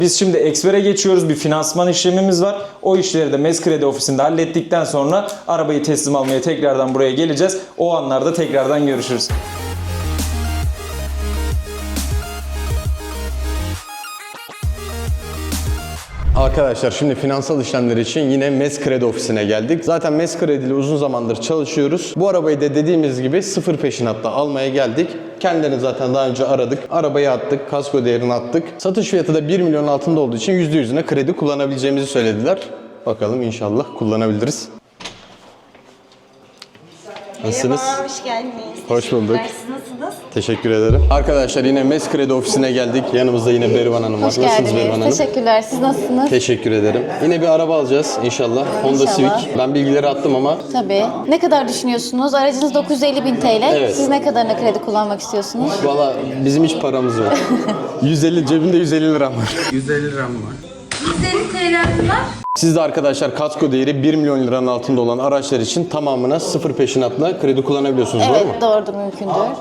Biz şimdi Eksper'e geçiyoruz. Bir finansman işlemimiz var. O işleri de MES Kredi Ofisi'nde hallettikten sonra arabayı teslim almaya tekrardan buraya geleceğiz. O anlarda tekrardan görüşürüz. Arkadaşlar şimdi finansal işlemler için yine MES Kredi ofisine geldik. Zaten MES Kredi ile uzun zamandır çalışıyoruz. Bu arabayı da dediğimiz gibi sıfır peşinatta almaya geldik. Kendilerini zaten daha önce aradık. Arabayı attık, kasko değerini attık. Satış fiyatı da 1 milyon altında olduğu için %100'üne kredi kullanabileceğimizi söylediler. Bakalım inşallah kullanabiliriz. Nasılsınız? Merhaba, hoş geldiniz. Hoş bulduk. Siz nasılsınız? Teşekkür ederim. Arkadaşlar yine MES Kredi ofisine geldik. Yanımızda yine Berivan Hanım var. Hoş Nasılsınız geldiniz. Berivan Hanım? Teşekkürler. Siz nasılsınız? Teşekkür ederim. Yine bir araba alacağız inşallah. Honda İnşallah. Civic. Ben bilgileri attım ama Tabii. Ne kadar düşünüyorsunuz? Aracınız 950.000 TL. Evet. Siz ne kadarına kredi kullanmak istiyorsunuz? valla bizim hiç paramız yok. 150 cebimde 150 liram var. 150 liram var. 150 TL'miz var. Siz de arkadaşlar kasko değeri 1 milyon liranın altında olan araçlar için tamamına sıfır peşinatla kredi kullanabiliyorsunuz, doğru mu? Evet, doğrudur, mümkündür.